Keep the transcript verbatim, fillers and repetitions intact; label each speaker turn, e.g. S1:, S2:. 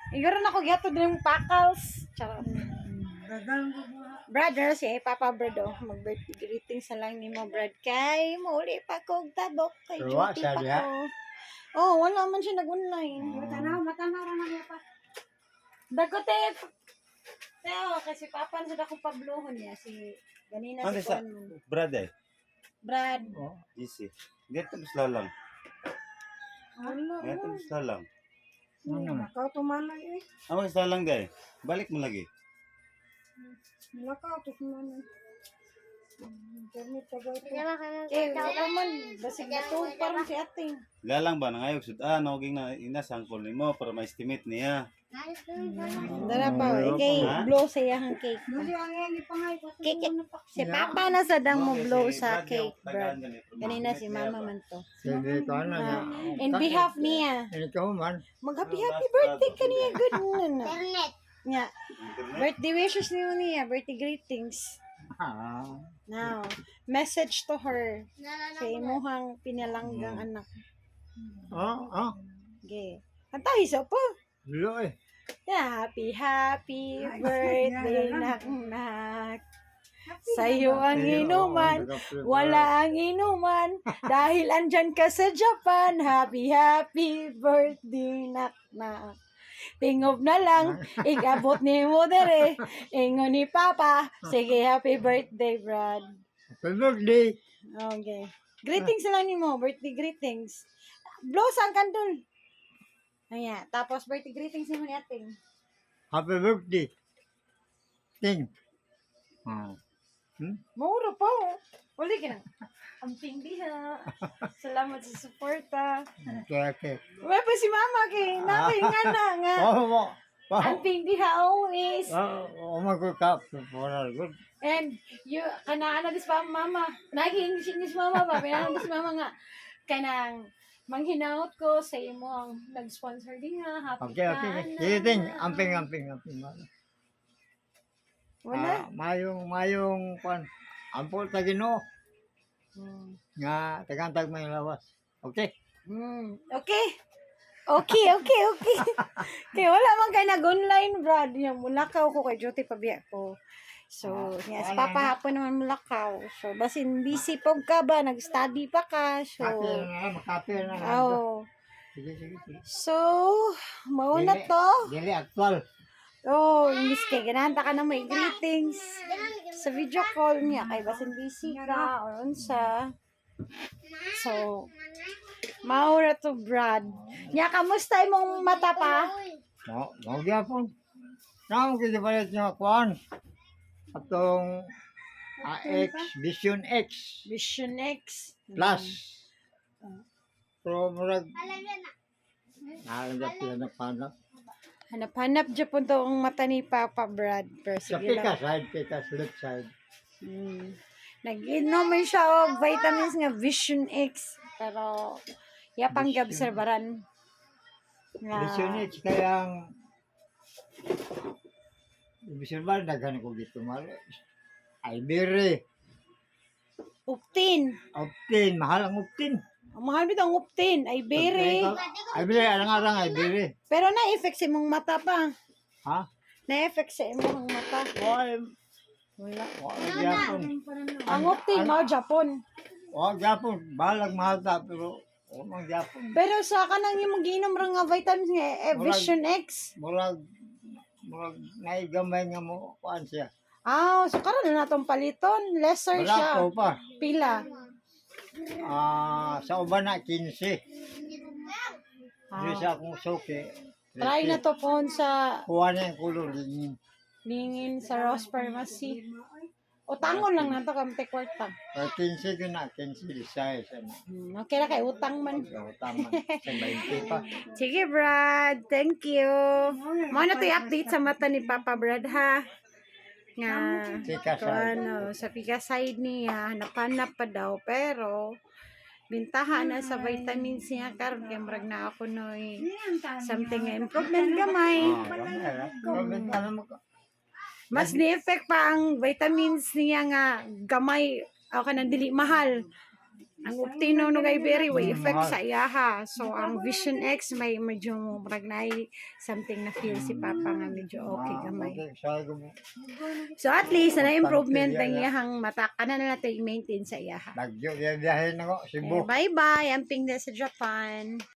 S1: Iguro na ko gihatod ng pakals. Charot.
S2: Dagang ko po.
S1: Brother, si Papa Brado, mag-birthday greetings na lang ni mo, Brad. Kay, muli pa kong tabok. Kay
S3: Pero wa,
S1: duty
S3: siya
S1: pa
S3: diha.
S1: ko. Oh, wala man siya nag-online.
S2: Matanaw, matanaw ra na niya pa.
S1: Dagote. Teo, kasi Papa na sa akong pabluhon niya. Si, ganina
S4: Ano
S1: si
S4: sa
S1: Juan.
S4: Brad eh?
S1: Brad.
S3: Oh.
S4: Easy. Dito basta lang.
S1: Wala.
S4: Dito basta lang.
S3: Ano?
S2: Nakaw tumanay eh.
S4: Amo basta lang day. Balik mo lagi.
S2: Nakaw tumanay. Internet tagay po.
S1: Eh, wala man. Basig na to, parang si ating.
S4: Galang ba nangayog sud ah noging na inasangkol nimo para ma-estimate niya.
S1: Dara pa, ikay,
S4: Ha?
S1: blow sa iyang cake.
S2: Muli ang yang ipangay ko.
S1: Cake. Si Papa na sa dang mo
S4: Okay,
S1: blow
S4: si
S1: sa
S4: Brad
S1: cake,
S4: yung tagaan
S1: Brad.
S4: ganito.
S1: Kanina si Mama man to.
S3: Sige ko ano na.
S1: Ah, in behalf niya,
S3: Ikaw man.
S1: mag-happy happy birthday ka niya. Good na na.
S5: Internet.
S1: Nga,
S4: Internet.
S1: birthday wishes niyo niya, birthday greetings.
S3: Ah.
S1: Now, message to her
S5: Nalala
S1: sa imuhang pinalanggang anak.
S3: Oh, oh.
S1: Okay. Kantahi sa po.
S3: Lo eh.
S1: Happy, happy birthday, nak-nak. Sa'yo ang inuman, wala ang inuman, dahil andyan ka sa Japan. Happy, happy birthday, nak-nak. Tingob na lang, ikabot ni mo dere, ingon ni Papa. Sige, happy birthday, Brad.
S3: Happy birthday.
S1: Okay. Greetings na lang ni mo, birthday greetings. Blow sang kandun. Ayan, tapos birthday greetings ni mo ni ating.
S3: Happy birthday. Ting. Ah. Hmm?
S1: Mauro po. Uli ka na. Ang pindi ha. Salamat sa suporta.
S3: Okay, okay.
S1: Wala pa si Mama kay namin nga na nga.
S3: Oh, mo.
S1: Ang pindi ha always.
S3: Oh, oh, my God, kap. For good.
S1: And you, kanaan na dis pa Mama. Nag-English English Mama ba? Pinanong dis Mama nga. Kanang manghinaot ko sa imo ang nag-sponsor din ha. Happy
S3: Okay, okay. Sige, ting. Amping, amping, amping.
S1: Wala.
S3: Ah, mayong, mayong, pan. Ampol tagino.
S1: Hmm.
S3: Nga, tagantag may lawas. Okay?
S1: Hmm. Okay. Okay, okay, okay. Kaya wala man kayo nag-online, Brad. Yung mulakaw ko kay Jyoti pabiya ko. So, yes, papahapon naman mulakaw. So, basin busy po ka ba? Nag-study pa ka. So,
S3: Kape na nga, makape na nga.
S1: oh.
S3: Sige, sige, sige.
S1: So, mauna
S3: Dili-
S1: to.
S3: Dili, actual.
S1: Oh, Miss Kay, gananta ka na may greetings sa video call niya. Kay basin busy ka or unsa. So, maura to, Brad. Nya, kamusta imong mata pa?
S3: Mo, mo gyapon. Namo kita palit nga kuan. Atong A X Vision X
S1: Vision X.
S3: Plus. Pero murag nalagap yan na panak.
S1: Hanap-hanap dyan po to ang mata ni Papa Brad. Pero
S3: Sa
S1: sige
S3: pika
S1: lang.
S3: side, pika left side.
S1: Hmm. Nag-inom man siya og vitamins nga Vision X. Pero, yapang
S3: Vision.
S1: gabserbaran. Nga,
S3: Vision X kayang Vision ba daghan ko dito mali. Ay bere.
S1: Uptin.
S3: Optin, mahal ang optin.
S1: Ang mahal bitaw ang Uptin. Ay, bere.
S3: Ay bere, arang-arang ay bere.
S1: Pero na-effect sa imong mata pa.
S3: Ha?
S1: Na-effect sa imong mata.
S3: Why?
S1: Wala.
S3: Why gyapon?
S1: Ang Uptin, mao Japon.
S3: Wag gyapon, balag mahal pero umang gyapon.
S1: Pero sa kanang imong giinom ra nga vitamins nga eh, Vision X.
S3: Murag murag naigamay nga mo kuan siya.
S1: Ah, so karon na natong paliton. Lesser siya.
S3: Wala ko pa.
S1: Pila.
S3: Ah, sa uban na quince.
S1: Ah.
S3: Di sa akong suki.
S1: Try na to po sa
S3: Kuha na yung kulor din.
S1: lingin sa Ross Pharmacy. O tangon lang na to kamte kwarta.
S3: Pero quince ko na, quince lisay sa na.
S1: Hmm, okay na kay utang man.
S3: So, tama. Sa twenty pa.
S1: Sige, Brad. Thank you. Mo na to i-update sa mata ni Papa Brad, ha? Nga,
S3: Pika
S1: ko
S3: side.
S1: ano, sa pika side niya, hanap-hanap pa daw, pero, bintaha na sa vitamins niya, karon kay murag na ako no, something nga improvement gamay.
S3: Ah, gamay ra. Comment na mo ko.
S1: Mas ni-effect pa ang vitamins niya nga gamay, o ka nang dili mahal. Ang Optino no kay very way
S3: Mm,
S1: effect
S3: mahal.
S1: sa iya ha. So ang Vision X may medyo murag na something na feel si Papa nga medyo okay gamay.
S3: Okay, sabi ko mo,
S1: So at least na improvement
S3: Pagpamilya
S1: ang
S3: na.
S1: iyahang mata kana na natin i-maintain sa iya ha.
S3: Bagyo, biyahe na ko, Cebu.
S1: Bye bye. Amping na sa Japan.